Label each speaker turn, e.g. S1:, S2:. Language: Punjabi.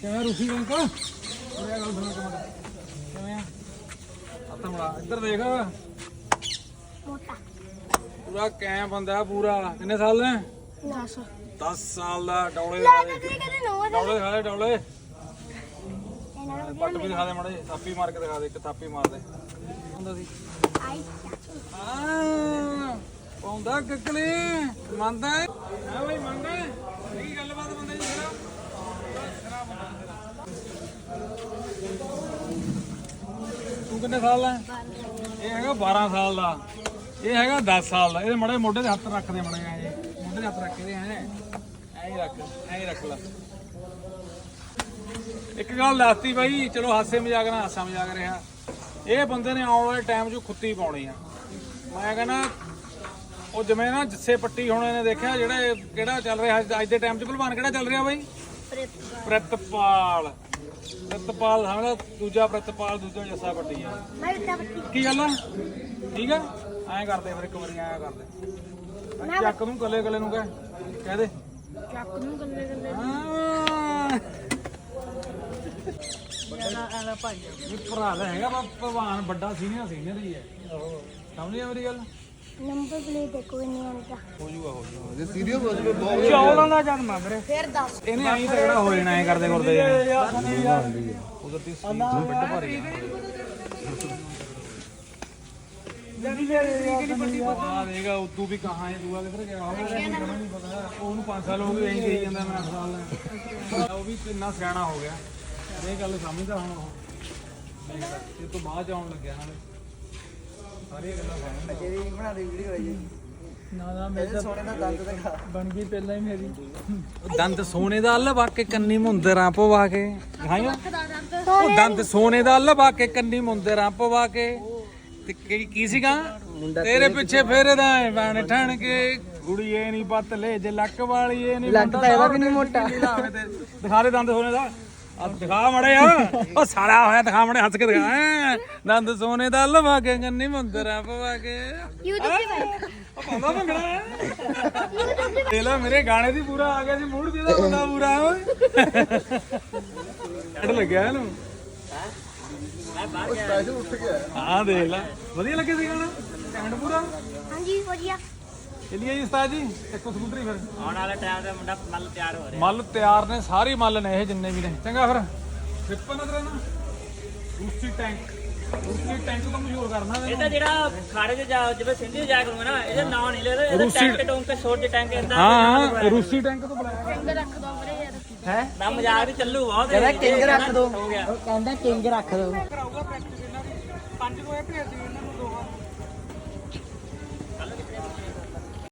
S1: ਕਿਵੇਂ ਰੂਸੀ ਰੰਗ ਇਹ ਗੱਲ ਸੁਣ ਕੇ ਮਤ ਕਿਵੇਂ ਆ ਹੱਥ ਮੜਾ ਇੱਧਰ ਦੇਖ
S2: ਮੋਟਾ
S1: ਪੂਰਾ ਕੈਂ ਬੰਦਾ ਪੂਰਾ ਕਿੰਨੇ ਸਾਲ ਦਾ 10 ਸਾਲ ਦਾ ਡੌਲੇ ਡੌਲੇ ਖਾ ਲੈ ਡੌਲੇ ਪੱਟ ਵੀ ਦਿਖਾ ਦੇ ਮੜੇ ਥਾਪੀ ਮਾਰ ਕੇ ਦਿਖਾ ਦੇ ਇੱਕ ਥਾਪੀ ਮਾਰ ਦੇ ਹੁੰਦਾ ਸੀ ਪਾਉਂਦਾ ਕਿਕਲੀ ਮੰਨਦਾ ਹੈ ਬਈ ਮੰਨਦਾ ਕੀ ਗੱਲਬਾਤ ਬੰਦੇ ਜੀ ਤੂੰ ਕਿੰਨੇ ਸਾਲ ਦਾ ਇਹ ਹੈਗਾ 12 ਸਾਲ ਦਾ ਇਹ ਹੈਗਾ 10 ਸਾਲ ਦਾ ਇਹਦੇ ਮੜੇ ਮੋਢੇ ਦੇ ਹੱਥ ਰੱਖਦੇ ਮੜੇ ਐ ਮੋਢੇ ਦੇ ਹੱਥ ਰੱਖਦੇ ਐ ਰੱਖ ਲੈ ਇੱਕ ਗੱਲ ਦੱਸਤੀ ਬਾਈ ਚਲੋ ਹਾਸੇ ਮਜ਼ਾਕ ਨਾਲ ਹਾਸਾ ਮਜ਼ਾਕ ਰਿਹਾ ਇਹ ਬੰਦੇ ਨੇ ਆਉਣ ਵਾਲੇ ਟਾਈਮ 'ਚ ਖੁੱਤੀ ਪਾਉਣੀ ਆ ਮੈਂ ਕਹਿੰਦਾ ਉਹ ਜਿਵੇਂ ਨਾ ਜੱਸੇ ਪੱਟੀ ਹੁਣ ਇਹਨੇ ਦੇਖਿਆ ਜਿਹੜਾ ਕਿਹੜਾ ਚੱਲ ਰਿਹਾ ਅੱਜ ਦੇ ਟਾਈਮ 'ਚ ਭਲਵਾਨ ਕਿਹੜਾ ਚੱਲ ਰਿਹਾ ਬਾਈ ਪ੍ਰਿਤਪਾਲ ਸਮਝਦਾ ਦੂਜਾ ਪ੍ਰਿਤਪਾਲ ਦੂਜਾ ਜੱਸਾ ਪੱਟੀ ਆ ਕੀ ਗੱਲ ਆ ਠੀਕ ਆ ਐਂ ਕਰਦੇ ਫਿਰ ਇੱਕ ਵਾਰੀ ਐਂ ਕਰਦੇ ਚੱਕ ਨੂੰ ਗੱਲੇ ਨੂੰ ਕਹਿ ਦੇ ਚੱਕ ਨੂੰ ਗੱਲੇ ਭਰਾ ਦਾ ਹੈਗਾ ਭਗਵਾਨ ਵੱਡਾ ਸੀਨੀਅਰ ਹੀ ਹੈ ਸਮਝ ਆ ਮੇਰੀ ਗੱਲ
S2: ਨੰਬਰ ਪਲੇਟ ਦੇਖੋ ਨਹੀਂ ਆਉਂਦਾ
S1: ਹੋ ਜੂਗਾ
S3: ਜੇ ਸੀਰੀਅਸ ਹੋ ਜਵੇ ਬਹੁਤ
S1: ਚੌਲਾਂ ਦਾ ਜਨਮ ਆ ਵੀਰੇ
S2: ਫਿਰ ਦੱਸ
S1: ਇਹਨੇ ਐਂ ਤਗੜਾ ਹੋ ਜਾਣਾ ਐ ਕਰਦੇ ਉਧਰ ਤੀ ਬਿੱਡ ਭਾਰੀ ਆ ਦੇਗਾ ਉਦੋਂ ਵੀ ਕਹਾਂ ਹੈ ਦੂਆ ਕਿੱਧਰ ਗਿਆ ਨਹੀਂ ਪਤਾ ਉਹਨੂੰ 5 ਸਾਲ ਹੋ ਗਏ ਐਂ ਕਹੀ ਜਾਂਦਾ ਮੈਂ 8 ਸਾਲ ਉਹ ਵੀ ਇੰਨਾ ਸਿਆਣਾ ਹੋ ਗਿਆ ਇਹ ਗੱਲ ਸਮਝਦਾ ਹੁਣ ਉਹ ਇਹ ਤੋਂ ਬਾਅਦ ਆਉਣ ਲੱਗਿਆ ਨਾਲੇ ਸਾਰੀਆਂ ਗੱਲਾਂ ਸਮਝਦਾ
S3: ਤੇਰੀ ਬਣਾ ਦੇ ਵੀਡੀਓ ਹੈ ਜੀ
S1: ਨਾ
S3: ਮੇਰੇ ਸੋਨੇ ਦਾ ਦੰਦ ਦਿਖਾ
S1: ਬਣ ਗਈ ਪਹਿਲਾਂ ਹੀ ਮੇਰੀ ਦੰਦ ਸੋਨੇ ਦਾ ਲਵਾ ਕੇ ਕੰਨੀ ਮੁੰਦਰਾਂ ਪਵਾ ਕੇ ਦਿਖਾਈਓ ਉਹ ਦੰਦ ਸੋਨੇ ਦਾ ਲਵਾ ਕੇ ਕੰਨੀ ਮੁੰਦਰਾਂ ਪਵਾ ਕੇ ਤੇ ਕੀ ਸੀਗਾ ਤੇਰੇ ਪਿੱਛੇ ਫੇਰਦਾ ਬਣ ਠਣ ਕੇ ਗੁੜੀਏ ਨਹੀਂ ਪੱਤ ਲੈ ਜੇ ਲੱਕ ਵਾਲੀ ਇਹ ਨਹੀਂ
S3: ਲੱਕ ਤਾਂ ਇਹਦਾ ਵੀ ਨਹੀਂ ਮੋਟਾ
S1: ਦਿਖਾ ਦੇ ਦੰਦ ਸੋਨੇ ਦਾ ਆ ਦਿਖਾ ਮੜੇ ਆ ਉਹ ਸਾਲਾ ਹੋਇਆ ਦਿਖਾ ਮੜੇ ਹੱਸ ਕੇ ਦਿਖਾ ਦੰਦ ਸੋਨੇ ਦਾ ਲਵਾ ਕੇ ਕੰਨੀ ਮੁੰਦਰਾਂ ਪਵਾ ਕੇ
S2: YouTube ਤੇ ਭਾਈ
S1: ਉਹ ਪਾਉਂਦਾ ਭੰਗੜਾ ਦੇ ਲੈ ਮੇਰੇ ਗਾਣੇ ਦੀ ਪੂਰਾ ਆ ਗਿਆ ਸੀ ਮੂਡ ਦੀ ਦਾ ਬੰਦਾ ਪੂਰਾ ਓਏ ਛੱਡ ਲੱਗਿਆ ਇਹਨੂੰ
S3: ਉਹ ਸਪੈਸ਼ਲ ਉੱਠ ਗਿਆ
S1: ਹਾਂ ਦੇਖ ਲੈ ਵਧੀਆ ਲੱਗੇ ਸੀ ਗਾਣਾ ਕੈਂਡ ਪੂਰਾ
S2: ਹਾਂਜੀ ਵਧੀਆ
S1: ਚਲਿਏ ਜੀ ਉਸਤਾਦ ਜੀ ਇੱਕੋ ਸਕੂਟਰੀ ਫਿਰ
S4: ਆਉਣ ਵਾਲੇ ਟਾਈਮ ਤੇ ਮੁੰਡਾ ਮੱਲ ਤਿਆਰ ਹੋ ਰਿਹਾ
S1: ਮੱਲ ਤਿਆਰ ਨੇ ਸਾਰੇ ਮੱਲ ਨੇ ਇਹ ਜਿੰਨੇ ਵੀ ਨੇ ਚੰਗਾ ਫਿਰ ਟ੍ਰਿਪ ਨਜ਼ਰ ਨਾ ਰੂਸੀ ਟੈਂਕ ਤੋਂ ਮਸ਼ਹੂਰ ਕਰਨਾ
S4: ਇਹ ਤਾਂ ਜਿਹੜਾ ਖਾੜੇ 'ਚ ਜਾ ਜਿਵੇਂ ਸਿੰਧੀ ਜਾ ਕਰੂਗਾ ਨਾ ਇਹਦਾ ਨਾਂ ਨਹੀਂ ਲੈਦਾ ਇਹਦਾ ਟੈਂਕ ਟੋਂਕ ਤੇ ਛੋਟੇ ਟੈਂਕ ਇੰਦਾ
S1: ਹਾਂ ਰੂਸੀ ਟੈਂਕ ਤੋਂ ਬੁਲਾਇਆ
S2: ਰੰਗ ਰੱਖ ਦੋ ਵੀਰੇ ਯਾਰ
S3: ਹੈ
S4: ਨਾ ਮਜ਼ਾਕ ਵੀ ਚੱਲੂ ਬਹੁਤ
S3: ਕਹਿੰਦਾ ਕਿੰਗ ਰੱਖ ਦੋ
S4: ਹੋ ਗਿਆ
S3: ਉਹ ਕਹਿੰਦਾ ਕਿੰਗ ਰੱਖ ਦੋ
S1: ਕਰਾਊਗਾ ਪ੍ਰੈਕਟਿਸ ਇਹਨਾਂ ਦੀ 5 ਨੂੰ ਇਹ ਭੇਜ ਦਿਓ ਇਹਨਾਂ ਨੂੰ ਦੋਵਾਂ